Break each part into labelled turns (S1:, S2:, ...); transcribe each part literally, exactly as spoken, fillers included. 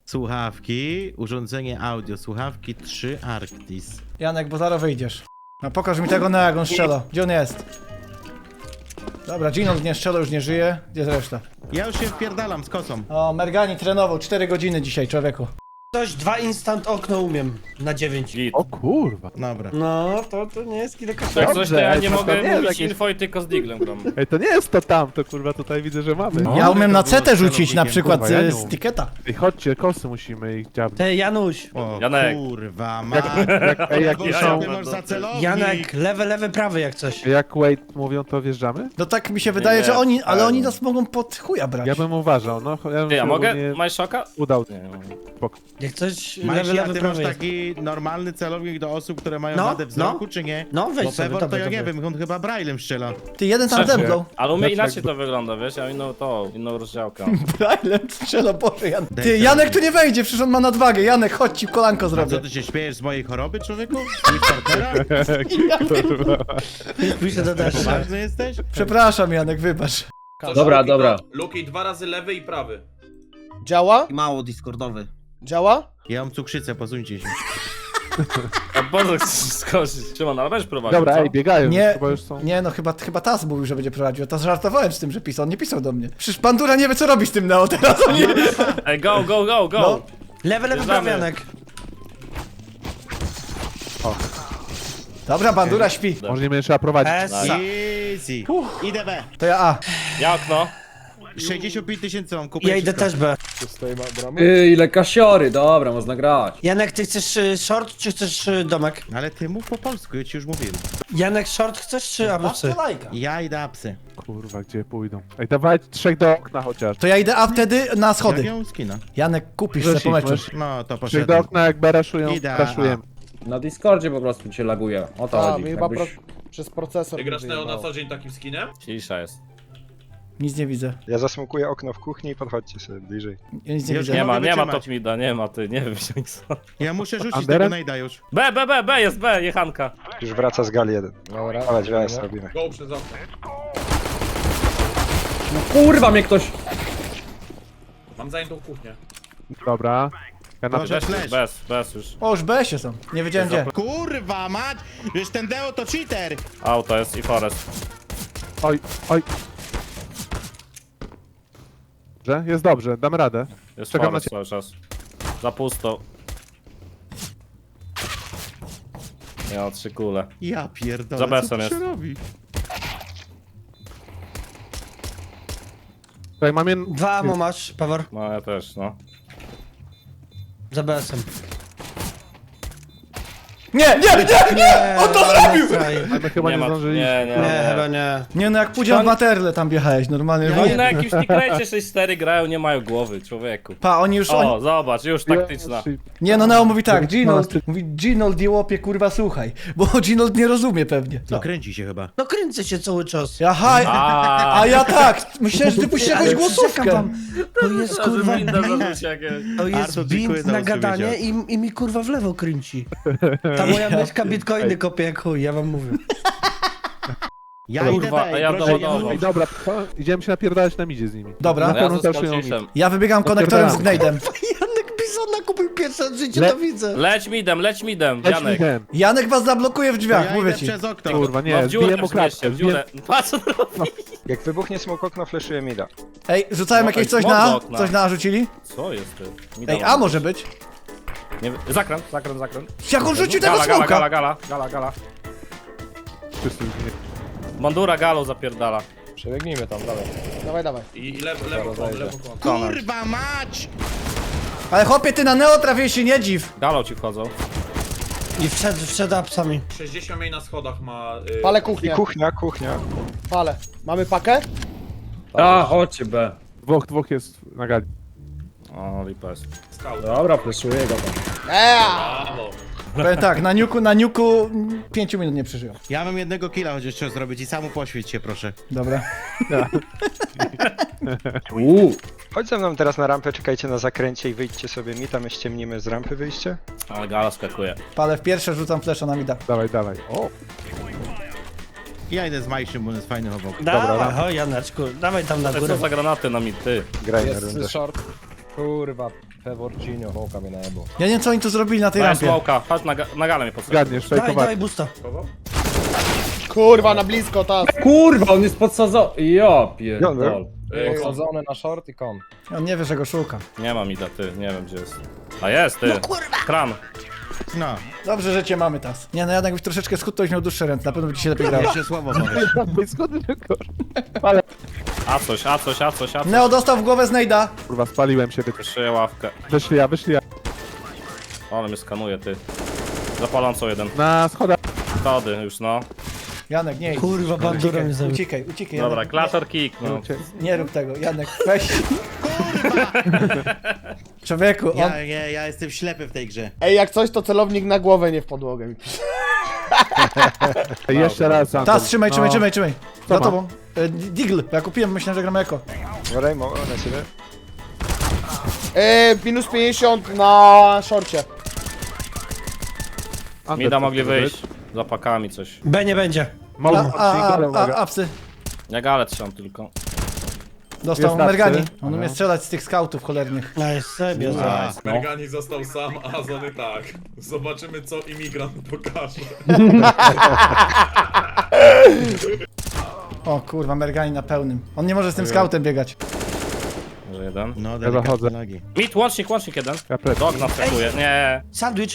S1: Słuchawki, urządzenie audio, słuchawki trzy Arctis.
S2: Janek, bo zaraz wyjdziesz. No pokaż mi tego Neo, jak on strzela. Gdzie on jest? Dobra, Gino nie strzela, już nie żyje. Gdzie jest reszta?
S1: Ja już się wpierdalam z kosą.
S2: O, Mergani trenował cztery godziny dzisiaj, człowieku.
S3: Coś, dwa instant okno umiem. Na dziewięć.
S4: Git.
S5: O kurwa.
S1: Dobra.
S3: No, to, to nie jest kilka
S4: Jak coś, to
S5: Dobrze,
S4: ja nie
S5: to
S4: mogę
S5: nie jest
S4: mówić
S5: jakieś-
S4: info i tylko z diglem gram.
S5: Ej, to nie jest to tam, to kurwa tutaj widzę, że mamy.
S1: No.
S2: Ja umiem na
S1: to było
S2: C T rzucić na
S1: celownikiem,
S2: przykład
S5: kurwa, ja
S2: z,
S5: nie
S2: z
S5: umiem.
S2: tiketa.
S5: Ej, chodźcie, kosy musimy ich dziabnąć.
S3: Ty, Januś.
S1: O
S4: Janek.
S1: kurwa, ma.
S5: Jak, jak, ej, jak
S1: Boże,
S5: piszą,
S1: ty masz za celownik.
S3: Janek, lewy, lewy, prawy jak coś.
S5: jak Wade mówią, to wjeżdżamy?
S2: No tak mi się wydaje,
S4: nie,
S2: że oni, ale
S4: ale-
S2: oni nas mogą pod chuja brać.
S5: Ja bym uważał, no. Ja bym
S4: Ty, a
S5: się
S4: mogę?
S5: ogólnie
S4: Masz szoka?
S5: udał.
S4: Nie, nie.
S3: Jak coś, lewy,
S1: Majsi, a
S3: lewy,
S1: ty masz
S3: prawy jest.
S1: taki normalny celownik do osób, które mają
S3: No,
S1: wadę wzroku,
S3: no.
S1: czy nie?
S3: No, weź
S1: Bo
S3: sobie,
S1: Pewor to
S3: dawaj,
S1: ja nie
S3: dawaj.
S1: wiem, on chyba braillem strzela.
S2: Ty, jeden tam
S4: Trzecie.
S2: zemdlał.
S4: Ale u mnie
S5: Znaczy
S4: inaczej
S5: jakby-
S4: to wygląda, wiesz? Ja mam inną to, inną rozdziałkę.
S2: Braillem strzela, Boże, Janek.
S1: Daj
S2: Ty,
S1: sobie.
S2: Janek tu nie wejdzie, przecież on ma nadwagę. Janek, chodź ci kolanko
S1: A co,
S2: zrobię.
S1: ty się śmiejesz z mojej choroby, człowieku? Z partnera?
S3: Piszę do deszcza.
S1: Poważny jesteś?
S2: Przepraszam, Janek, wybacz.
S6: Dobra,
S7: Luki,
S6: dobra.
S7: to- Luki dwa razy lewy i prawy.
S8: Działa?
S6: Mało discordowy.
S8: Działa?
S1: Ja mam cukrzycę, posuńcie się.
S4: A Boże, chcesz skoczyć. Szymon, ale weź prowadzić,
S5: Dobra,
S4: co?
S5: ej, biegają,
S2: Nie,
S5: chyba już są.
S2: nie, no chyba, chyba Taz mówił, że będzie prowadził. Taz żartowałem z tym, że pisał. On nie pisał do mnie. Przecież Bandura nie wie, co robi z tym Neo teraz. On nie...
S4: Ej, go, go, go, go!
S2: No.
S3: Lewy, lewy, prawy,
S4: Bierzemy.
S3: Janek.
S2: Dobra, Bandura śpi.
S5: Może nie będzie trzeba prowadzić.
S3: Esa.
S1: Easy. Idę B.
S2: To ja A.
S4: Ja okno.
S1: sześćdziesiąt pięć tysięcy mam, kupuję
S3: Ja idę
S1: wszystko.
S3: też B.
S6: Yy, ile kasiory, dobra, można grać.
S3: Janek, ty chcesz y, short, czy chcesz y, domek?
S1: Ale ty mów po polsku, ja ci już mówiłem.
S3: Janek, short chcesz, czy abusy?
S1: Ja idę apsy.
S5: Kurwa, gdzie pójdą? Ej, dawaj trzech do okna chociaż.
S2: To ja idę A wtedy na
S1: Jak
S2: schody.
S1: ją skina?
S2: Janek, kupisz
S5: Możesz
S2: se po
S5: iść,
S2: meczu.
S5: możesz-
S1: No, to
S5: Trzech do
S1: poszedłem.
S5: okna, jak beraszują,
S1: Idę,
S5: crashujemy.
S6: Na Discordzie po prostu cię laguje. O to
S8: A,
S6: chodzi.
S8: mi chyba pro...
S6: Jakbyś...
S8: przez procesor.
S7: Ty
S8: mi
S7: grasz Neo na
S8: wyjebało.
S7: co dzień takim skinem?
S4: Cisza jest.
S2: Nic nie widzę.
S9: Ja zasmukuję okno w kuchni i podchodźcie sobie bliżej.
S2: Ja nic nie
S1: Już
S2: widzę.
S4: Nie ma,
S1: mogę
S4: nie ma
S1: wytrzymać.
S4: top mida, nie ma, ty, nie wiem, gdzie oni są.
S1: Ja muszę rzucić
S5: Anderem?
S1: tego najda już.
S4: B, B, B, B, jest B, jechanka.
S9: Już wraca z gali jeden.
S8: Dobra.
S9: Ale dźwięk robimy.
S7: Go przez okno.
S6: No kurwa mnie ktoś...
S7: Mam zajętą kuchnię.
S5: Dobra. Ja na...
S1: Może
S4: Bez,
S1: flash.
S4: bez, bez już.
S2: O, już B się są. Nie wiedziałem gdzie.
S1: Kurwa mać! Wiesz, ten Deo to cheater!
S4: Auto jest i forest.
S5: Oj, oj. Dobrze, jest dobrze, damy radę.
S4: Jest
S5: Czekam na
S4: forest
S5: ciebie.
S4: cały czas. Za pusto. Ja trzy kule.
S1: Ja pierdolę,
S4: Za
S1: co
S4: besem
S1: tu się
S4: jest.
S1: robi?
S5: Tutaj mam jeden...
S3: Dwa amo masz, Pawor.
S4: No ja też, no.
S3: Za B S em.
S2: Nie, nie, nie, nie! On to zrobił!
S5: Ale chyba nie,
S4: ma,
S5: zdążyliśmy.
S4: nie, nie,
S3: Nie,
S4: nie.
S3: chyba nie.
S2: Nie no, jak pójdziemy w materle tam wjechałeś, normalnie.
S1: Ja
S2: No,
S4: Oni na jakimś tikrecie sześć cztery grają, nie mają głowy, człowieku.
S2: pa, oni już...
S4: O,
S2: Oni...
S4: zobacz, już taktyczna.
S2: Nie no, Neo mówi tak,
S5: No,
S2: Ginold,
S5: ty-
S2: mówi Ginold, jełopie, kurwa, słuchaj. Bo Ginold nie rozumie pewnie.
S1: No kręci się chyba.
S3: No kręcę się cały czas.
S2: Aha,
S4: A,
S2: a ja tak, myślałem, że ty puścisz jakąś
S3: Ale przyrzekam
S2: głosówkę.
S3: wam, To jest kurwa
S4: winda
S3: bint,
S4: zarzuci jakieś.
S3: to jest
S1: Artur, dziękuję
S3: bint
S1: za
S3: na
S1: usłyszenie.
S3: gadanie i, i mi kurwa w lewo kręci. Ta moja myszka bitcoiny kopie jak chuj, ja wam mówię.
S1: Ja
S4: Kurwa,
S1: idę B,
S4: a ja
S1: proszę nie
S4: doładował.
S1: mówić.
S5: Ej, dobra, to idziemy się napierdalać na midzie z nimi.
S2: Dobra.
S5: Na
S4: No ja
S5: pewno
S4: ze
S5: też ją
S4: Scottishem.
S2: Ja wybiegam konektorem z
S5: Odpierdalamy.
S2: Gnejdem.
S3: Janek Bizona kupił pierwsze w życiu,
S5: Le-
S3: to widzę.
S4: Leć midem, leć midem,
S5: Leć
S4: Janek.
S5: midem.
S2: Janek was zablokuje w
S1: To
S2: drzwiach,
S1: ja
S2: mówię
S1: idę
S2: ci.
S1: przez okno.
S5: Kurwa,
S4: No
S5: nie,
S4: w dziurę
S5: zbiję mu
S4: wrzućcie,
S5: klatkę.
S4: w dziurę. Patrz, co to robi.
S9: Jak wybuchnie smok okno, fleszuje mida.
S2: Ej, rzucałem
S4: No,
S2: jakieś
S4: ej,
S2: coś
S4: smok
S2: na
S4: do
S2: A?
S4: okna.
S2: Coś na A rzucili?
S4: Co jest ty? Mida
S2: Ej,
S4: mam.
S2: A może być?
S4: Nie, wiem. zakręt, zakręt, zakręt.
S2: Jak on rzucił tego
S4: Gala, gala, gala,
S2: smoka?
S4: gala, gala, gala.
S5: Wszyscy już nie-
S4: Bandura galą zapierdala.
S8: Przebiegnijmy tam, dawaj. Dawaj, dawaj.
S7: I i lewo, lewo kąt, lewo kąt.
S1: Kurwa mać!
S2: Ale chłopie, ty na Neo trafiłeś się, nie dziw.
S4: Galą ci wchodzą.
S3: I wszedł, wszedł apsami.
S7: sześćdziesiąt mniej na schodach ma... Y...
S8: Palę
S9: I
S8: kuchnię.
S9: kuchnia, kuchnia.
S8: Palę. Mamy pakę?
S6: A, chodźcie B.
S5: Dwóch, dwóch jest na gali.
S4: O, lipa jest.
S7: Scout.
S6: Dobra, fleszuję go tam.
S8: Eee!
S7: Brawo.
S2: Powiem tak, na niuku, na niuku mm, pięciu minut nie przeżyją.
S1: Ja mam jednego killa chociaż trzeba zrobić i samu poświeć się, proszę.
S2: Dobra.
S6: Uuu.
S9: Chodź ze mną teraz na rampę, czekajcie na zakręcie i wyjdźcie sobie mi, tam ściemnimy z rampy wyjście.
S4: Ale gala skakuje.
S2: Palę w pierwsze, rzucam flesza na mida.
S5: Dawaj, dawaj. O,
S1: Ja idę z Majszym, bo on jest fajny obok.
S3: Dawaj, o Janeczku, dawaj tam na
S4: Ale
S3: górę.
S4: co za granaty na mid, ty?
S9: Graj na
S8: Jest
S9: rundę.
S8: short. Kurwa, Peworcinio, wołka mnie na ebo.
S2: Ja nie wiem co oni tu zrobili na tej
S4: Daj
S2: rampie.
S4: smoka, chodź na, ga- na galę mnie podstaw.
S5: Zgadniesz,
S3: Daj,
S5: fejkować.
S3: daj busta.
S8: Kurwa, na blisko, ta.
S6: Kurwa, on jest podsadzony. Ja pierdol.
S8: Posadzony na short i kon.
S2: On nie wie, że go szuka.
S4: Nie mam ida, ty, nie wiem gdzie jest. A jest, ty. No kurwa! Kran.
S1: No,
S2: Dobrze, że cię mamy teraz. Nie no, Janek byś troszeczkę skut, to byś miał dłuższe ręce, na pewno by ci się lepiej grało.
S1: jeszcze słowo powiesz.
S5: Skąd tylko?
S4: A coś, a coś, a coś, a coś.
S2: Neo dostał w głowę znajda.
S5: Kurwa, spaliłem się.
S4: Wyszyję ławkę.
S5: Wyszli ja, wyszli ja.
S4: Ale mnie skanuje, ty. Zapalącą jeden.
S5: Na schodach.
S4: Schody już, no.
S2: Janek, nie idź.
S3: Kurwa, bandura mnie
S2: Uciekaj,
S3: zabił.
S2: uciekaj, uciekaj.
S4: Dobra,
S2: Janek.
S4: klator kick, no.
S2: Nie, nie rób tego, Janek, weź. Człowieku, on...
S1: Ja, ja, ja jestem ślepy w tej grze.
S8: Ej, jak coś, to celownik na głowę, nie w podłogę mi pisze.
S5: Jeszcze raz, Anton.
S2: Tas, trzymaj, trzymaj,
S5: No.
S2: trzymaj, trzymaj.
S5: Co
S2: Za
S5: ma?
S2: tobą. E, Digl, ja kupiłem, myślałem, że gramy jako.
S9: Rejmo, na ciebie.
S8: Ej, minus pięćdziesiąt na szorcie.
S5: Anton,
S4: Mida
S5: co
S4: mogli
S5: to być?
S4: wyjść. Za pakami coś.
S3: B nie będzie.
S5: Mogą,
S2: A, a,
S5: ale
S2: a,
S5: uwaga.
S2: a, apsy.
S4: Ja galę trzymam tylko.
S2: Dostał
S5: Jest apsy.
S2: Mergani. On
S5: Aha.
S2: umie strzelać z tych skautów cholernych.
S3: Nice, sobie.
S1: A,
S7: Mergani został sam, a Zony tak. Zobaczymy co imigrant pokaże.
S2: O kurwa, Mergani na pełnym. On nie może z tym skautem biegać.
S4: Może jeden.
S1: no,
S5: zachodzę.
S1: delikatne nogi.
S4: Mit, łącznik, łącznik jeden.
S5: Ja plecy.
S4: Dog naskakuje. Nie.
S3: Sandwich.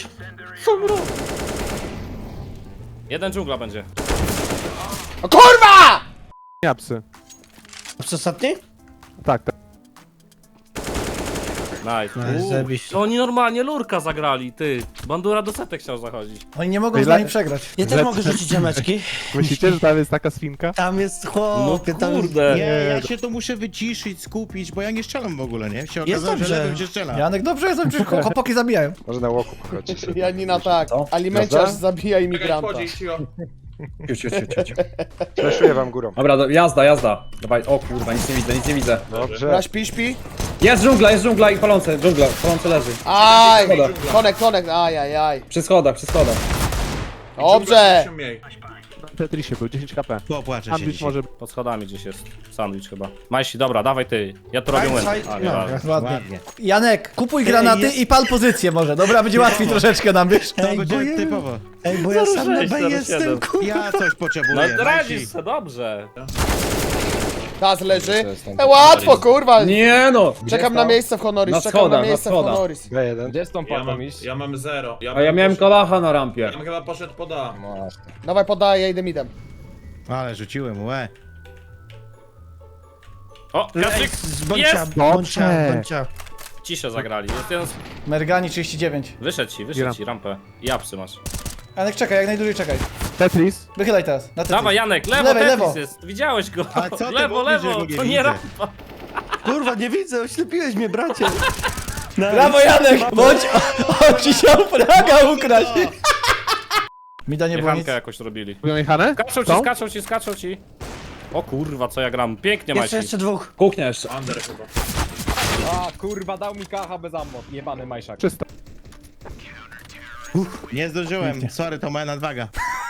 S4: Jeden dżungla będzie.
S8: O kurwa!
S5: Nie, psy.
S3: Co ostatni?
S5: Tak, tak.
S4: Nice.
S3: Nice,
S4: Uuu.
S3: zajebiście.
S4: No oni normalnie lurka zagrali, ty. Bandura do setek chciał zachodzić.
S2: Oni nie mogą
S5: Ej,
S2: z nami
S5: la-
S2: przegrać.
S3: Ja też mogę rzucić jameczki.
S5: Myślicie, że tam jest taka swinka?
S3: Tam jest
S4: No
S3: chłopie, tam jest...
S4: kurde.
S1: Nie, ja się tu muszę wyciszyć, skupić, bo ja nie strzelam w ogóle, nie? Się
S3: Jest
S1: okazało, że
S3: dobrze.
S1: lewym się strzela.
S2: Janek, dobrze jest, przecież chłopaki zabijają.
S9: Może na łoku pochodzi.
S8: Janina tak. Alimenciarz zabija imigranta.
S7: Chodzi, cicho.
S6: Ciu, ciu, ciu, ciu, ciu.
S9: Fleszuję wam górą.
S6: Dobra, do, jazda, jazda. Dawaj, o kurwa, nic nie widzę, nic nie widzę.
S9: Dobrze.
S8: Dobra, śpi, śpi.
S6: Jest dżungla, jest dżungla i palące, dżungla, palące leży.
S8: Aj!
S6: Schodach.
S8: Konek, konek, aj, aj, aj.
S6: Przy schodach, przy schodach.
S8: Dobrze!
S7: Mniej.
S5: Na Tetrisie był, dziesięć HP.
S1: Popłaczę się
S5: Sandwich
S1: dzisiaj.
S5: może...
S4: Pod schodami gdzieś jest. Sandwich chyba. Majsi, dobra, dawaj ty. Ja tu robię
S3: Aj,
S4: łeb.
S3: aj,
S4: A,
S3: no.
S4: nie ważne.
S2: Ładnie.
S1: Ładnie.
S2: Janek, kupuj granaty
S3: jest-
S2: i pal pozycję może. Dobra, będzie łatwiej troszeczkę nam, wiesz?
S1: To
S3: Ej,
S1: będzie
S3: bo ja-
S1: typowo.
S3: Ej, bo ja sam na
S4: sześć,
S3: B
S4: zero
S3: jestem,
S4: siedem.
S3: kurwa.
S1: Ja coś potrzebuję.
S4: No
S1: Majsi.
S4: radzisz se, dobrze.
S8: Taz leży. E, łatwo, kurwa!
S6: Nie no!
S8: Czekam na miejsce w Honoris,
S6: Na
S8: czekam
S6: schodach,
S8: na
S6: na
S8: miejsce w
S6: schodach.
S8: Honoris.
S9: B jeden.
S8: Gdzie jest tą
S7: Ja mam, ja mam zero. Ja
S6: A ja
S7: bym
S6: miałem
S7: poszedł-
S6: kalacha na rampie.
S7: Ja bym chyba poszedł pod A.
S8: Dawaj, podaję, ja idę midem.
S1: Ale rzuciłem, łe.
S4: O,
S3: Ej,
S4: Kaczyk!
S3: z bącia,
S4: Jest!
S3: bącia, bącia.
S4: Ciszę zagrali. Jest jeden... z-
S2: Mergani trzydzieści dziewięć.
S4: Wyszedł ci, wyszedł ci rampę. I apsy masz.
S2: Janek, czekaj, jak najdłużej czekaj.
S5: Tetris.
S2: Wychylaj teraz. Na tetris.
S4: Dawaj Janek, lewo,
S2: lewej,
S4: Tetris
S2: lewo.
S4: jest. Widziałeś go.
S1: A co ty
S4: lewo,
S1: mówisz, że
S4: lewo.
S1: go nie
S4: To nie
S1: widzę?
S4: rampa.
S3: Kurwa, nie widzę, oślepiłeś mnie, bracie.
S2: Brawo Janek, bądź... On ci chciał fraga ukraść. Mida nie było nic.
S4: Jechankę jakoś robili.
S5: Mówią jechane?
S4: Skaczą ci,
S5: Są?
S4: skaczą ci, skaczą ci. O kurwa, co ja gram. Pięknie
S3: Jeszcze,
S4: Majsi.
S3: jeszcze dwóch.
S6: Kuchnia jeszcze.
S7: Under chyba.
S8: A, kurwa, dał mi kacha bez ammo. Jebany majszak.
S5: Czysto.
S1: Nie zdążyłem, sorry, to moja nadwaga.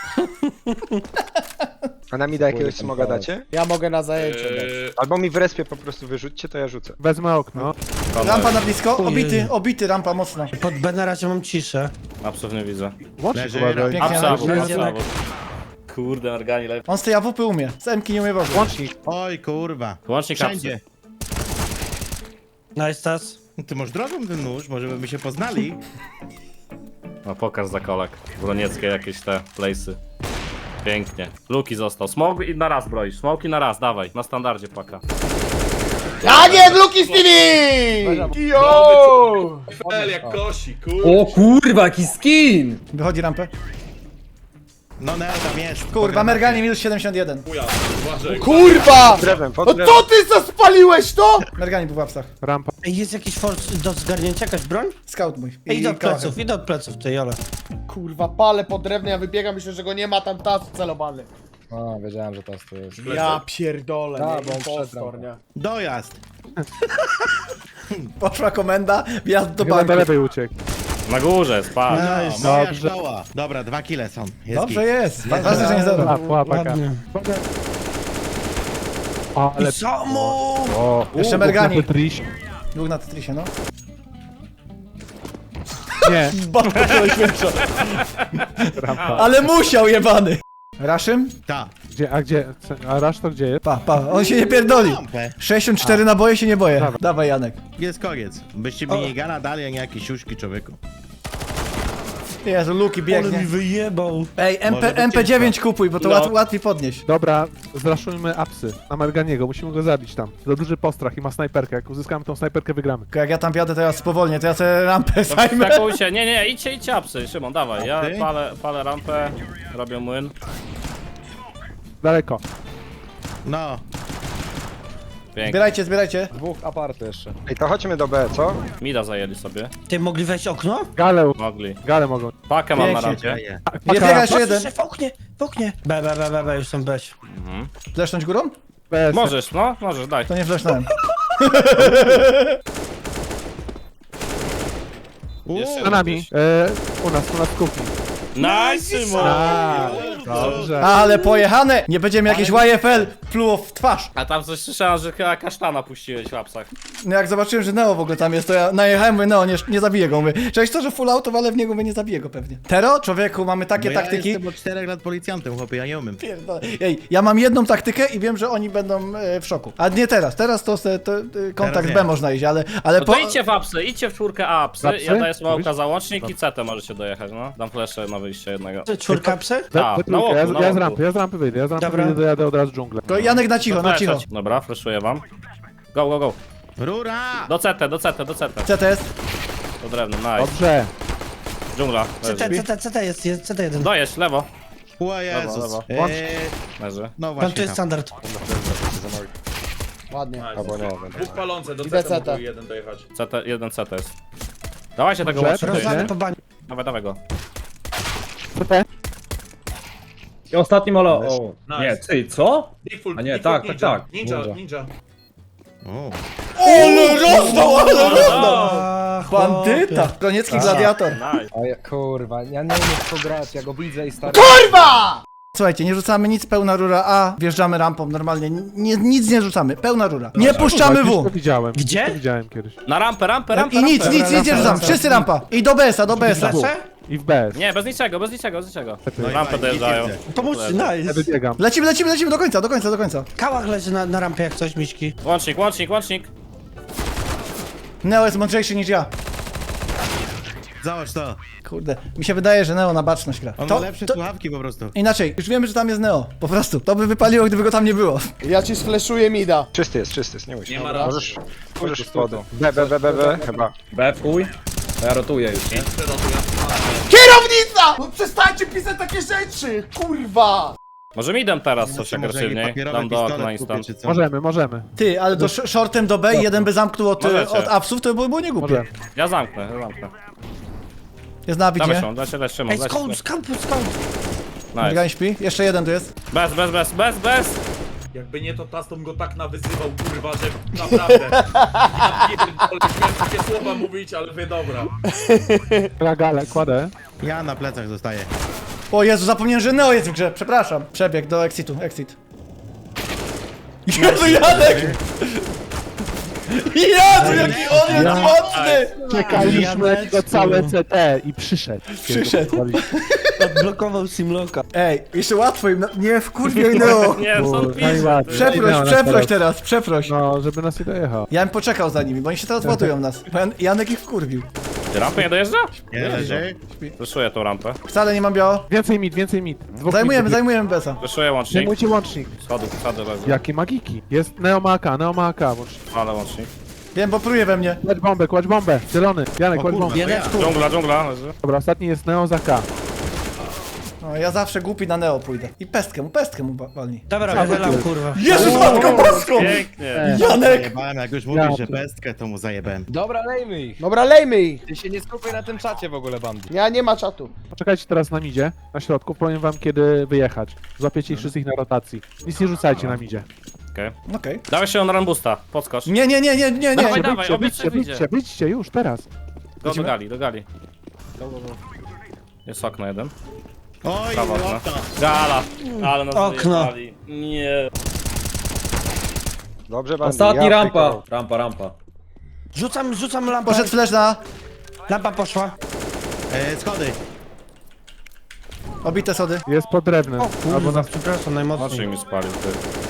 S9: A na mida jakiegoś smoga dacie?
S8: Ja mogę na zajęcie dać.
S7: Yy,
S9: Albo mi w respie po prostu wyrzućcie, to ja rzucę.
S5: Wezmę okno.
S2: Rampa na blisko,
S3: Ojej.
S2: obity, obity, rampa mocno.
S3: Pod B na razie mam ciszę.
S4: Apsów nie widzę.
S5: Łącznik
S1: Leży.
S5: uważaj.
S2: Pięknie,
S4: Apsa,
S2: Janek,
S4: apsa,
S2: Janek.
S4: apsa. Kurde, organi lepiej.
S2: On z tej A W P umie, z M-ki nie umie w ogóle.
S5: Łącznik.
S1: Oj, kurwa.
S4: Łącznik
S1: Wszędzie.
S4: apsy.
S3: Nice, tas.
S1: Ty masz drogą ten nóż, może byśmy się poznali.
S4: No pokaż za kolek. Bronieckie jakieś te place'y. Pięknie. Luki został. Smoke i na raz broisz. Smoke i na raz, dawaj. Na standardzie paka.
S8: Tak jest, Luki Stevie! Yo!
S7: Fel jak kosi,
S6: O kurwa, jaki skin!
S2: Wychodzi rampę.
S1: No, Neo tam jest.
S2: Kurwa, Mergani minus siedemdziesiąt jeden.
S7: Chuja, uważaj.
S8: Kurwa!
S9: Drewem, pod
S8: No
S9: drewem.
S8: co ty co spaliłeś to?
S2: Mergani był w apsach.
S5: Rampa.
S3: Ej, jest jakiś force do zgarnięcia, jakaś broń?
S2: Scout mój.
S3: Ej, idę od
S2: Klachę.
S3: pleców, idę od pleców, ty jole.
S8: Kurwa, palę pod drewnem, ja wybiegam, myślę, że go nie ma, tam tas celowany.
S10: A, wiedziałem, że to jest. To jest.
S8: Ja pierdolę,
S10: Da,
S8: nie,
S10: bo on
S8: impostor,
S10: wszedł.
S8: nie?
S1: Dojazd.
S2: Poszła komenda, wjazd do
S5: Chyba
S2: banku.
S5: do lewej uciekł.
S4: Na górze jest, patrz.
S1: No, moja
S5: Dobrze.
S1: szkoła. Dobra, dwa kile są. Jest
S2: Dobrze
S1: git.
S2: jest, ważne, że nie zero.
S5: A, łapaka.
S3: Ładnie.
S5: O, ale...
S3: I samo!
S5: O,
S2: Jeszcze
S5: u,
S2: Mergani.
S5: na Tetrisie.
S2: Dwóch na Tetrisie, no.
S5: Nie.
S2: Babka to najświętsza.
S5: Rampa.
S2: Ale musiał, jebany. Raszym?
S1: Ta.
S5: Gdzie, a gdzie? A Rasz to gdzie jest?
S2: Pa, pa, on się nie pierdoli.
S1: Lampę.
S2: sześćdziesiąt cztery naboje się nie boję.
S5: Dawaj.
S2: Dawaj, Janek.
S1: Jest koniec. Byście minigana dali, a nie jakieś siuszki, człowieku.
S2: Jezu, Luki
S3: Ale mi
S2: biegnie.
S3: wyjebał.
S2: Ej,
S1: Może
S2: MP,
S1: być
S2: M P dziewięć
S1: ciężko.
S2: kupuj, bo to
S4: No.
S2: łat, łatwiej podnieść.
S5: Dobra, zraszujmy apsy. Na Merganiego, musimy go zabić tam. To duży postrach i ma snajperkę. Jak uzyskamy tą snajperkę, wygramy.
S2: Tylko jak ja tam wjadę, to ja spowolnię, to ja sobie rampę zajmę.
S4: Stakujcie, nie, nie, idźcie, idźcie apsy, Szymon, dawaj, ja
S1: Okej.
S4: palę, palę rampę, robię młyn.
S5: Daleko.
S1: No.
S4: Pięknie.
S2: Zbierajcie, zbierajcie.
S10: Dwóch aparty jeszcze.
S9: Ej, to chodźmy do B, co?
S4: Mida zajęli sobie.
S3: Ty mogli wejść okno?
S5: Gale,
S4: Mogli.
S5: gale mogą.
S4: Pakę mam na
S2: Pięknie.
S4: rampie.
S1: Daję.
S2: Nie biega jeszcze jeden.
S3: Patrzcie, w oknie, w oknie. B, B, B, B, B, już są beś.
S2: Flesznąć górą?
S5: Bez.
S4: Możesz, no, możesz, daj.
S2: To nie flesznąłem.
S4: Jeszcze
S5: Za nami. E, u nas, u nas w kuchni.
S4: Nice, Szymon!
S5: A, dobrze.
S2: Ale pojechane! Nie będziemy jakieś Y F L pluło w twarz.
S4: A tam coś słyszałem, że chyba kasztana puściłeś w apsach.
S2: No jak zobaczyłem, że Neo w ogóle tam jest, to ja najechałem, mówię, Neo, nie, nie zabiję go. Mówię, cześć to, że full auto, ale w niego mówię, nie zabiję go pewnie. Tero, człowieku, mamy takie
S1: No ja
S2: taktyki.
S1: jestem od czterech lat policjantem, chłopie, ja nie umiem.
S2: Pierdolę. Ej, ja mam jedną taktykę i wiem, że oni będą e, w szoku. A nie teraz, teraz to, se, to e, kontakt
S1: Teraz nie.
S2: B można iść, ale, ale
S4: No to idźcie w apsy, idźcie w czwórkę A apsy,
S5: Apsy?
S4: ja daję smołka
S5: Mówisz?
S4: załącznik i C T możecie dojechać, no. Dam flesze na wyjście jednego.
S3: Czwórka psy?
S5: We,
S4: Tak,
S5: we
S4: na
S5: trójkę.
S4: łoku,
S5: ja,
S4: na
S5: ja z
S4: łoku.
S5: rampy, ja z rampy wyjdę, ja z rampy
S3: Dobra.
S5: wyjdę, dojadę od razu dżunglę.
S2: To Janek na cicho, na cicho.
S4: Fleszać. Dobra, fleszuję wam. Go, go, go.
S1: Rura!
S4: Do C T, do C T, do C T.
S2: C T jest?
S4: Do drewna, nice.
S5: Dobrze.
S4: Dżungla,
S3: C
S4: leży.
S3: T, C T, C T jest, jest C T jeden.
S4: Dojesz, lewo.
S1: O Jezus.
S4: lewo.
S1: Eee,
S4: Leży.
S1: no
S3: Tam to
S1: właśnie.
S3: jest standard.
S8: Ładnie.
S10: Albo nie, będę.
S7: Dwóch palące, do
S8: Idę
S7: C T
S8: C T.
S7: mógł jeden dojechać.
S4: C T, jeden C T jest. Dawajcie tego
S5: Dobrze,
S4: łącznika.
S5: dobrze.
S3: Rozlany po bani.
S4: Dawaj, dawaj go.
S5: C T.
S6: I ostatni molo. O,
S7: Nice.
S6: nie, ty, co?
S7: Default,
S6: A nie,
S7: default
S6: tak, tak,
S7: ninja.
S6: tak.
S7: Ninja,
S10: Ninja.
S7: ninja.
S1: O.
S2: Ale rozdał, ale rozdał!
S3: A,
S2: Bandyta! Kroniecki gladiator.
S4: Nice.
S10: A ja, kurwa, ja nie umiem w to grać, ja go widzę i stary...
S2: Słuchajcie, nie rzucamy nic, pełna rura A, wjeżdżamy rampą normalnie, nie, nic nie rzucamy, pełna rura. Nie puszczamy
S5: Gdzieś to
S2: W.
S5: widziałem.
S3: Gdzie?
S5: Gdzieś to widziałem kiedyś.
S4: Na rampę, rampę, rampę,
S2: I nic,
S4: rampę.
S2: nic, nic nie rzucamy, wszyscy rampa. I do B S-a, do B S-a.
S3: Flesze?
S5: I w B S.
S4: Nie, bez niczego, bez niczego, bez niczego.
S1: No i
S4: Rampę
S1: fajnie,
S4: dojeżdżają.
S1: nic nie chcę.
S3: Pomóżcie,
S5: Ja
S3: nice.
S5: wybiegam.
S2: Lecimy, lecimy, lecimy do końca, do końca, do końca.
S3: Kałach leży na, na rampie jak coś, miśki.
S4: Łącznik, łącznik, łącznik.
S2: Neo jest mądrzejszy niż ja.
S1: Zobacz to.
S2: Kurde, mi się wydaje, że Neo na baczność gra.
S1: On
S2: To,
S1: ma lepsze
S2: to,
S1: słuchawki po prostu.
S2: inaczej, już wiemy, że tam jest Neo, po prostu. To by wypaliło, gdyby go tam nie było.
S8: Ja ci sfleszuję mida.
S9: Czysty jest, czysty jest, nie musisz.
S7: Nie ma raz.
S9: Możesz, możesz spodu. B, B, B, B, B, chyba.
S6: B, fuj. To ja rotuję już, nie?
S7: Przerotuję.
S8: Kierownica! No przestańcie pisać takie rzeczy! Kurwa!
S4: Może mi dam teraz coś
S1: Może jakiś
S4: agresywniej.
S1: papierowy
S4: Dam do okna
S1: pistolet kupię,
S4: instant.
S1: czy co?
S5: Możemy, możemy.
S2: Ty, ale do sh- shortem do B i jeden by zamknął od,
S4: Możecie.
S2: od apsów, to by było nie głupie.
S5: Możemy.
S4: Ja zamknę, ja zamknę.
S2: Jest na
S4: Dawaj
S2: widzie.
S4: Szymon, daj się, daj Szymon,
S3: Ej,
S4: daj się.
S3: skąd, skąd, skąd?
S4: Nice.
S2: Drgań śpi, jeszcze jeden tu jest.
S4: Bez, bez, bez, bez, bez.
S7: Jakby nie to Tastom go tak nawyzywał, kurwa, że naprawdę. Ja pierdolę, miałem takie słowa mówić, ale wy dobra.
S5: Ja galę, kładę.
S1: Ja na plecach zostaję.
S2: O Jezu, zapomniałem, że Neo jest w grze, przepraszam. Przebieg do exitu, exit. Jezu, Janek! Jezu, jaki on jest
S5: Ja-
S2: mocny!
S5: Czekaliśmy do całe C T i przyszedł.
S2: Przyszedł.
S3: Odblokował Simloka.
S2: Ej, jeszcze łatwo im, no, nie wkurwiaj Neo.
S4: Nie, są
S5: Kurwa,
S4: pisze.
S5: najłatwiej.
S2: Przeproś,
S5: Neo na
S2: przeproś
S5: teraz.
S2: teraz, przeproś.
S5: No, żeby nas nie dojechał.
S2: Ja bym poczekał za nimi, bo oni się teraz ładują nas. Bo Jan- Janek ich wkurwił.
S4: Ty rampy nie dojeżdża?
S1: Nie leży.
S4: Wyszuję tą rampę.
S2: Wcale nie mam biało.
S5: Więcej mit, więcej mit. Dwóch
S2: Zajmujemy,
S5: mitów.
S2: zajmujemy Besa.
S4: Wyszuję łącznik.
S5: Zajmujcie łącznik.
S4: Schody, schody leży.
S5: Jakie magiki. Jest Neo ma A K, Neo ma A K. Łącznik.
S4: Ale łącznik.
S2: Wiem, bo pruje we mnie.
S5: Kładź bombę, kładź bombę. Zielony. Janek,
S1: O
S5: kładź
S1: kurwa,
S5: bombę.
S1: to ja.
S4: Dżungla, dżungla leży.
S5: Dobra, ostatni jest Neo za K.
S2: No, ja zawsze głupi na Neo pójdę. I pestkę mu, pestkę mu wa- walni.
S3: Dobra, wychylam, kurwa.
S2: Jezus, matko boską!
S4: Pięknie.
S2: Janek!
S1: Zajebałem, jak już
S5: Ja
S1: mówisz, że
S5: tu-
S1: pestkę, to mu zajebałem.
S10: Dobra, lejmy ich.
S8: Dobra, lejmy ich!
S10: Ty się nie skupiaj na tym czacie w ogóle, bandy.
S8: Ja nie ma czatu.
S5: Poczekajcie teraz na midzie, na środku. Powiem wam kiedy wyjechać. Złapiecie ich wszystkich na rotacji. Nic nie rzucajcie na midzie.
S4: Okej.
S2: Okej.
S4: Dawaj się na rambusta, podskocz.
S2: Nie, nie, nie, nie, nie,
S4: Dawaj,
S2: nie.
S4: dawaj,
S5: Wyjdźcie,
S4: obiecaj,
S5: wyjdźcie,
S4: wyjdzie.
S5: wyjdźcie, wyjdźcie już, teraz.
S4: Go do gali, do gali. Go, go, go. Jest okno jeden.
S1: Oj,
S4: Prawo okno.
S1: łopta.
S4: Gala. Ale nas
S3: Okno.
S4: wyjebali. Nie.
S9: Dobrze, bandy.
S6: Ostatni
S9: ja
S6: rampa.
S9: tylko-
S6: Rampa, rampa.
S3: Rzucam, rzucam lampę.
S2: Poszedł flash na...
S3: Lampa poszła.
S1: E, schody.
S2: Obite sody.
S5: Jest pod drewnem.
S3: O
S5: Albo
S3: kurwa,
S5: na...
S3: przepraszam,
S4: Oczy
S3: najmocniej.
S4: mi spalił, ty.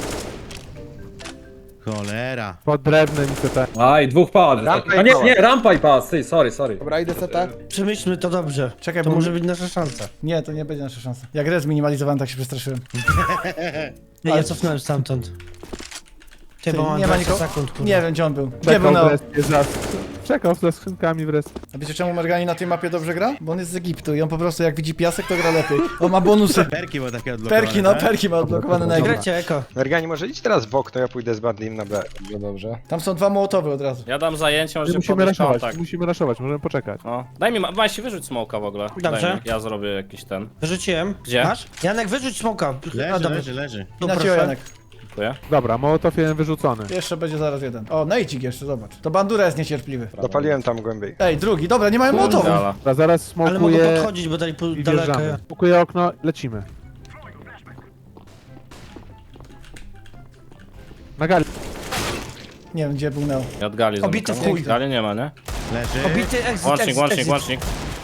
S1: Cholera.
S5: Pod drewnem i te.
S6: Aj, dwóch padł.
S10: Rampa i
S6: A nie,
S10: pałac.
S6: nie, rampa i pałac, ty, sorry, sorry.
S10: Dobra, idę C T.
S3: Przemyślmy to dobrze.
S2: Czekaj,
S3: To
S2: bo...
S3: może być nasza szansa.
S2: Nie, to nie będzie nasza szansa. Jak res minimalizowałem, tak się przestraszyłem.
S3: Ja, ja cofnąłem stamtąd. Ty,
S2: Ty,
S3: bo mam
S2: nie ma
S3: dwadzieścia
S2: nikogo.
S3: sekund, kurwa.
S2: Nie wiem, gdzie on był. Gdzie był
S5: Czekał w
S2: Neo?
S5: respie za... Czekał ze skrzynkami w respie.
S2: A wiecie czemu Mergani na tej mapie dobrze gra? Bo on jest z Egiptu i on po prostu jak widzi piasek, to gra lepiej. On ma bonusy.
S1: Perki było takie odblokowane.
S2: Perki, no
S1: tak?
S2: perki ma odblokowane na Egipcie.
S3: Grecie eko.
S9: Mergani, może idź teraz w okno, ja pójdę z Bandim na B.
S10: Dobrze, dobrze.
S2: Tam są dwa mołotowy od razu.
S4: Ja dam zajęcie,
S5: My
S4: możemy
S5: musimy
S4: podnieść
S5: raszować,
S4: kontakt.
S5: musimy raszować, możemy poczekać.
S4: No. Daj mi, ma się wyrzuć smoka w ogóle.
S3: Dobrze.
S4: Daj mi. Ja zrobię jakiś ten.
S3: Wyrzuciłem.
S4: Gdzie?
S3: Masz? Janek, wyrzuć smoka. A,
S1: Leży,
S3: dobra.
S1: leży, leży.
S3: Tu
S2: I na ciebie,
S3: proszę.
S2: Janek.
S4: Dziękuję.
S5: Dobra, Mołotow jeden wyrzucony.
S2: Jeszcze będzie zaraz jeden. O, Nejcik jeszcze, zobacz. To Bandura jest niecierpliwy.
S9: Dopaliłem tam głębiej.
S2: Ej, drugi, dobra, nie mają mołotowu.
S4: Gala.
S5: Dobra, zaraz
S3: Ale mogę
S5: smokuję
S3: podchodzić, bo dali po
S5: i
S3: daleko.
S5: wjeżdżamy. Smokuję okno, lecimy. Na gali.
S2: Nie wiem, gdzie był Neo.
S4: Ja od gali
S3: Obity
S4: zamykam.
S3: w chuj.
S4: Gali nie ma, nie?
S1: Leży.
S3: Obity exit,
S4: Łącznik,
S3: exit,
S4: łącznik,
S3: exit.
S4: łącznik.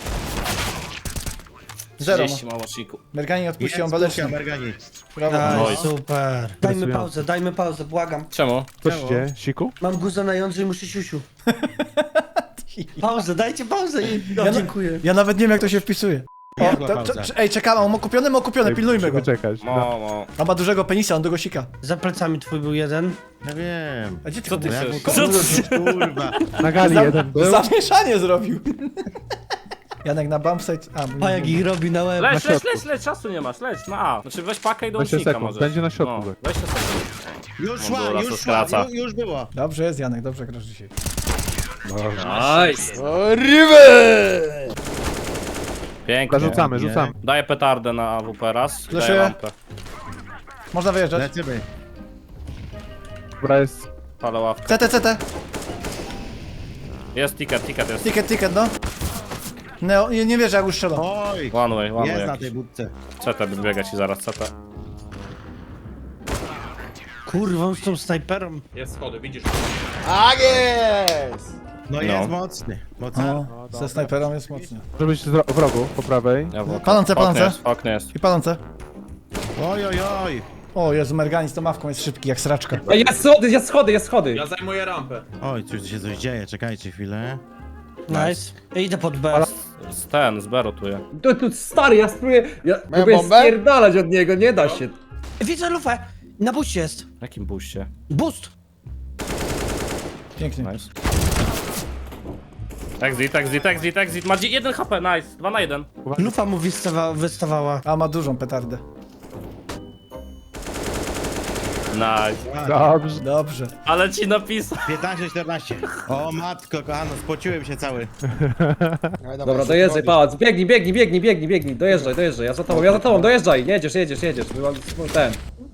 S2: Zero.
S4: trzydzieści ma łączniku.
S2: Mergani
S1: Jest
S2: odpuścił
S1: kurka,
S2: Balecznie.
S1: Mergani.
S2: Brawo.
S3: Aj,
S4: Nice.
S3: super. Dajmy
S5: Stresujące.
S3: pauzę, dajmy pauzę, błagam.
S4: Czemu?
S5: Co się dzieje? Siku?
S3: Mam guza na jądrze i muszę siusiu. Pauzę, dajcie pauzę i... No,
S2: Ja na-
S3: dziękuję.
S2: Ja nawet nie wiem, jak to się wpisuje. O,
S1: Jadła
S2: to,
S1: pauza.
S2: to, ej, czekamy, on ma kupiony, ma kupiony, pilnujmy go.
S5: Musimy czekać.
S4: Mo, mo.
S2: On ma dużego penisa, on długo sika.
S3: Za plecami twój był jeden.
S1: Ja wiem.
S2: A gdzie ty
S4: Co ty
S1: Jak mu
S4: chcesz?
S1: kurwa.
S5: Na gali
S2: Za-
S5: jeden był.
S2: Zamieszanie zrobił. Janek na bumpsite. A, bo
S3: A
S2: nie
S3: jak
S2: wiem.
S3: ich robi na łeb.
S4: Leć, leć,
S5: środku.
S4: leć, leć, czasu nie masz, leć, no a. Znaczy weź pakę i do
S5: dwadzieścia
S4: łącznika
S5: sekund,
S4: możesz.
S5: będzie na środku.
S4: No, dwadzieścia sekund.
S1: Już
S4: Mundura
S1: szła,
S4: to
S1: już szła,
S4: skraca.
S1: już, już było.
S2: Dobrze jest, Janek, dobrze grasz dzisiaj.
S6: Nice.
S4: Pięknie.
S5: Rzucamy,
S1: Nie.
S5: rzucamy.
S4: Daję petardę na A W P raz. i Daję
S2: Flashuję.
S4: lampę.
S2: Można wyjeżdżać.
S1: Lecimy.
S5: Dobra, jest...
S4: Palę ławkę.
S2: C T, C T.
S4: Jest ticket, ticket jest.
S2: Ticket, ticket, no. Neo, nie, nie wierzę, jak już strzelał.
S1: Oj.
S4: One way, one
S1: Jest
S4: way
S1: na
S4: jakiś.
S1: tej budce.
S4: C T biega ci zaraz, C T.
S3: Kurwa, on z tą snajperą.
S7: Jest schody, widzisz.
S8: Tak jest!
S1: No jest mocny. Mocny.
S2: O, ze snajperą jest mocny.
S5: Może być zro- w rogu, po prawej.
S4: Ja w
S2: Palące,
S4: oknie
S2: palące.
S4: jest, okno jest.
S2: I palące.
S1: Oj, oj, oj.
S2: O Jezu, Mergani z tą mawką jest szybki, jak sraczka.
S6: Ej, jest schody, jest schody, jest schody.
S7: Ja zajmuję rampę.
S1: Oj, coś się coś dzieje, czekajcie chwilę.
S3: Nice. Ja idę pod B.
S4: Z ten, z B rotuje.
S6: Tu, tu, stary, ja spróbuję, ja
S8: Mają
S6: próbuję
S8: bombę?
S6: spierdalać od niego, nie da się.
S3: Widzę lufę. Na buście jest.
S4: W jakim buście?
S3: Boost.
S2: Pięknie.
S4: Nice. Exit, exit, exit, exit. Ma jeden H P, nice. dwa na jeden.
S3: Lufa mu wystawa, wystawała.
S2: A ma dużą petardę.
S4: Nice.
S5: Dobrze.
S2: Dobrze.
S4: Ale ci napisał.
S1: piętnaście czternaście. O matko, kochano, spociłem się cały.
S6: Dobra, dojeżdżaj, pałac, biegnij, biegnij, biegnij, biegnij, biegnij, dojeżdżaj, dojeżdżaj, ja za tobą, ja za tobą, dojeżdżaj, jedziesz, jedziesz, jedziesz, byłam ten.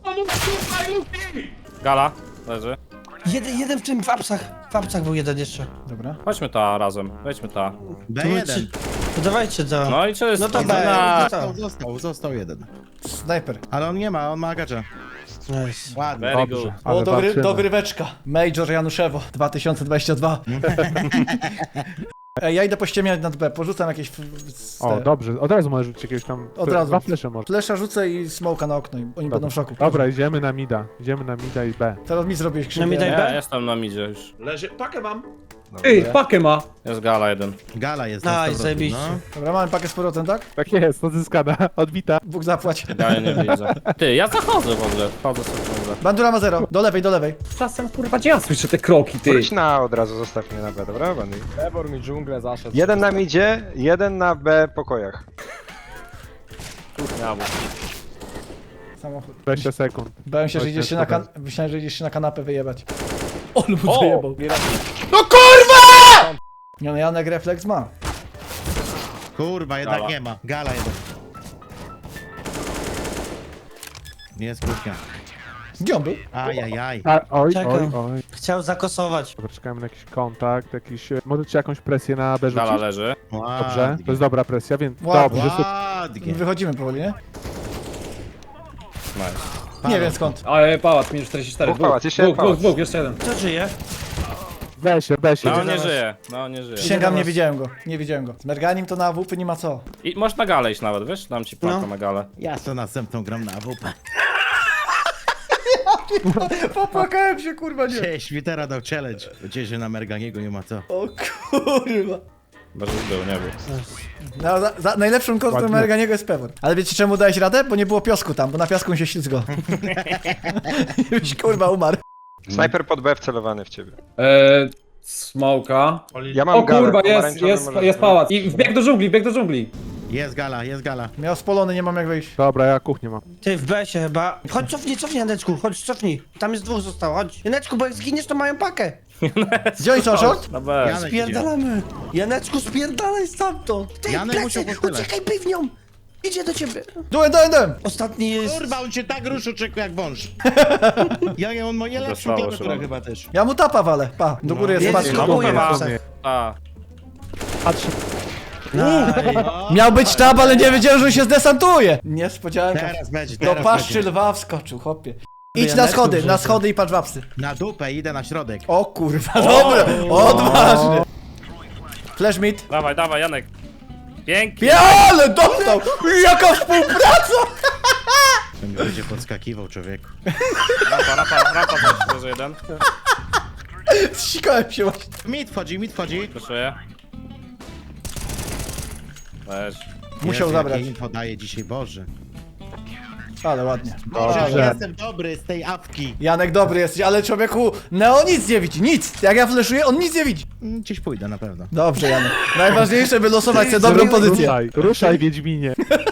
S4: Gala, leży.
S3: Jeden, jeden w tym, w apsach. W apsach był jeden jeszcze.
S2: Dobra.
S4: Chodźmy ta razem, wejdźmy ta.
S1: B
S3: To
S1: jeden.
S3: czy- to dawajcie to.
S4: No i co jest?
S3: No to
S4: no,
S3: B.
S4: na-
S3: No to.
S1: Został, został, został jeden.
S2: Snajper.
S1: Ale on nie ma, on ma gacza.
S3: Nice.
S1: Ładnie.
S4: Very
S5: Dobrze.
S4: good.
S5: Ale
S2: O, dogry,
S5: walczymy.
S2: dogryweczka. Major Januszewo dwa tysiące dwadzieścia dwa. Ej, ja idę pościemiać nad B, porzucam jakieś... f- z
S5: O,
S2: te-
S5: dobrze, od razu możesz rzucić jakiegoś tam...
S2: Od razu.
S5: Dwa flesze może.
S2: Flesza rzucę i smoka na okno i oni będą w szoku.
S5: Dobra, idziemy na mida. Idziemy na mida i B.
S2: Teraz mi zrobiłeś
S3: Na mi daj
S2: krzywdę.
S3: B?
S4: Nie, jestem na midzie już.
S7: Leży, pakę mam.
S6: Ej, pakę ma.
S4: Jest gala jeden.
S1: Gala jest
S3: Nice,
S1: na sto procent,
S3: zajebiście.
S1: no.
S2: Dobra, mamy pakę z powrotem, tak?
S5: Tak jest, odzyskana, odbita.
S2: Bóg zapłać.
S4: Gala nie widzę. Ty, ja zachodzę w ogóle. Wchodzę sobie ciągle.
S2: Bandura ma zero. Do lewej, do lewej.
S6: Czasem, kurwa, gdzie ja słyszę te kroki, ty?
S9: Wróć na A od razu, zostaw mnie na B, dobra, Bandy?
S10: Ebor mi dżunglę zaszedł.
S9: Jeden na midzie, jeden na B pokojach.
S4: Ja, bo...
S2: Samochód.
S5: dwadzieścia sekund.
S2: Bałem się, że
S5: Chodź,
S2: idziesz się
S5: chodź,
S2: na kan... Myślałem, że idziesz się na kanapę wyjebać. O, lub
S4: O!
S2: wyjebał.
S8: No kurwa!
S2: Nie no, Janek refleks ma.
S1: Kurwa, jednak
S4: Gala.
S1: nie ma. Gala jeden. Jest kurka.
S2: Gdzie on był?
S1: Ajajaj.
S5: A, oj,
S3: Czekam.
S5: oj, oj.
S3: Chciał zakosować.
S5: Dobra, czekamy na jakiś kontakt, jakiś... e, Możecie jakąś presję na B
S4: Gala
S5: rzucić?
S4: leży.
S5: Dobrze, to jest dobra presja, więc
S2: Ładnie.
S5: dobrze, super.
S1: Ładnie.
S2: Wychodzimy powoli, nie?
S4: Nice.
S2: Nie wiem skąd.
S6: Ale pałac, minus czterdzieści cztery,
S9: Dwóch pałac,
S6: dwóch,
S9: jeszcze
S6: dwóch,
S9: jeden
S6: dwóch,
S9: pałac.
S6: dwóch, jeszcze jeden.
S3: Kto żyje?
S5: Weź się, weź się.
S4: No nie żyje, no nie żyje.
S2: Przysięgam, nie widziałem go, nie widziałem go. Z Merganim to na A W P nie ma co.
S4: I możesz na galę iść nawet, wiesz? Dam ci plantę
S3: No.
S4: na galę.
S1: Ja to następną gram na A W P.
S2: Popłakałem się, kurwa, nie.
S1: Cześć, Świtera dał challenge. Gdzieś, że na Merganiego nie ma co.
S2: O kurwa.
S4: Bez był, nie był.
S2: No, za, za, najlepszym kosztem
S5: Ładnie.
S2: Merganiego jest Pewor. Ale wiecie czemu dałeś radę? Bo nie było piasku tam, bo na piasku mi się ślizgo. Już kurwa umarł.
S9: Snajper pod B wcelowany w ciebie.
S6: Eee, smoka.
S9: Ja mam
S6: O
S9: galę,
S6: kurwa, jest,
S9: pomarańczowy
S6: jest,
S9: możesz
S6: jest
S9: brać.
S6: pałac. I wbieg do dżungli, wbieg do dżungli.
S1: Jest gala, jest gala.
S2: Miał spolony, nie mam jak wyjść.
S5: Dobra, ja kuchnię mam.
S3: Ty, w besie chyba. Chodź, cofnij, cofnij, Janeczku, chodź, cofnij. Tam jest dwóch zostało, chodź. Janeczku, bo jak zginiesz, to mają pakę.
S2: Gdzie oni są, short?
S4: Na B.
S1: Janek idzie.
S3: Spierdalamy. Janeczku, spierdalaj stamtąd. Ty,
S1: Janek musiał
S3: plecy,
S1: po tyle.
S3: uciekaj piwnią. Idzie do ciebie.
S2: Dułem, dułem, dułem.
S3: Ostatni jest...
S1: Kurwa, on cię tak ruszył, czeku jak wąż. Ja, ja on ma nie lepszą
S4: Dostało się,
S1: klawiaturę
S4: no.
S1: chyba też.
S2: Ja mu tapa walę. Pa, do góry jest
S3: Jedziesz
S2: patrz.
S3: do
S4: No,
S3: góry,
S4: ma.
S3: Jacek.
S4: A,
S5: Patrz,
S2: Miał być tab, ale nie wiedziałem, że on się zdesantuje. Niespodzianka.
S1: Teraz będzie,
S2: Do
S1: teraz
S2: paszczy
S1: będzie.
S2: lwa wskoczył, chłopie. Idź na
S3: Janeczku
S2: schody, na
S3: wrzucę.
S2: schody i patrz wapsy.
S1: Na dupę, idę na środek.
S2: O kurwa, dobra, odważnie. Flash mid.
S4: dawaj, dawaj, Janek. Pięknie.
S2: Ja, ale dostał! Jaka współpraca!
S1: To mi będzie podskakiwał, człowieku.
S4: Rampa, rampa, rampa, też, może jeden.
S2: Zsikałem się właśnie.
S1: Mit wchodzi, mit wchodzi.
S4: Proszę. Weź.
S2: Musiał
S1: Jezu,
S2: zabrać.
S1: jakie info daje dzisiaj, Boże.
S2: Ale ładnie.
S1: Boże,
S5: Dobrze.
S1: ja jestem dobry z tej awki.
S2: Janek dobry jesteś, ale człowieku, Neo nic nie widzi, nic! Jak ja fleszuję, on nic nie widzi.
S1: Mm, Gdzieś pójdę na pewno.
S2: Dobrze, Janek. Najważniejsze, by losować sobie dobrą pozycję.
S5: ruszaj, ruszaj, Wiedźminie.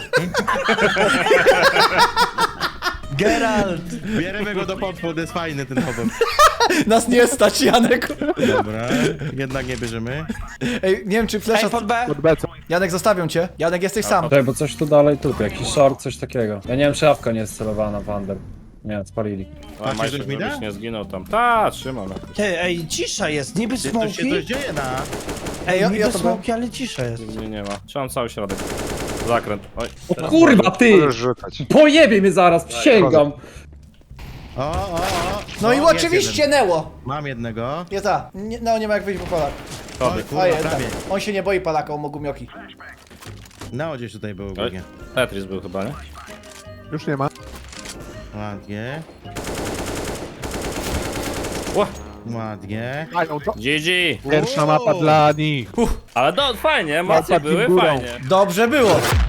S3: Geralt.
S1: Bierzemy go do podpód, jest fajny ten chłopak.
S2: Nas nie stać, Janek.
S1: Dobra, jednak nie bierzemy.
S2: Ej, nie wiem czy
S3: Ej,
S2: flesza...
S3: pod B.
S5: Pod becą.
S2: Janek, zostawią cię. Janek, jesteś sam.
S6: Czekaj, bo coś tu dalej, tu, jakiś short, coś takiego. Ja nie wiem, czy awka nie jest celowana w under. Nie, spalili.
S4: A
S1: Macie
S4: Majszy,
S1: coś mi da?
S4: żebyś nie zginął tam. Ta, trzymam.
S3: Ty, ej, cisza jest, niby
S1: Tu się
S3: smoki.
S1: coś dzieje na...
S2: Ej, ja,
S3: Niby
S2: ja to byłem.
S3: smoki, ale cisza jest.
S4: Nie, nie ma. Trzymam cały środek. Zakręt. Oj.
S6: O kurwa, ty!
S9: Możesz rzucać.
S6: Pojebie mnie zaraz, przysięgam.
S1: O, o, o.
S2: No i
S1: jest
S2: oczywiście
S1: jeden.
S2: Neo.
S1: Mam jednego.
S2: Jest a. Nie, no nie ma jak wyjść, bo Polak.
S1: Oj,
S2: A
S1: kurwa,
S2: jest,
S1: prawie.
S2: on się nie boi Polaka, on ma gumioki.
S1: No, gdzieś tutaj był
S4: Oj.
S1: głównie.
S4: Tetris był chyba, nie?
S5: Już nie ma.
S1: Ładnie.
S4: Ła.
S1: Ładnie.
S5: Mają to.
S4: G G.
S5: Pierwsza mapa dla nich.
S4: Ale do, fajnie, emocje
S5: Mapa
S4: były,
S5: górą.
S4: fajnie.
S2: Dobrze było.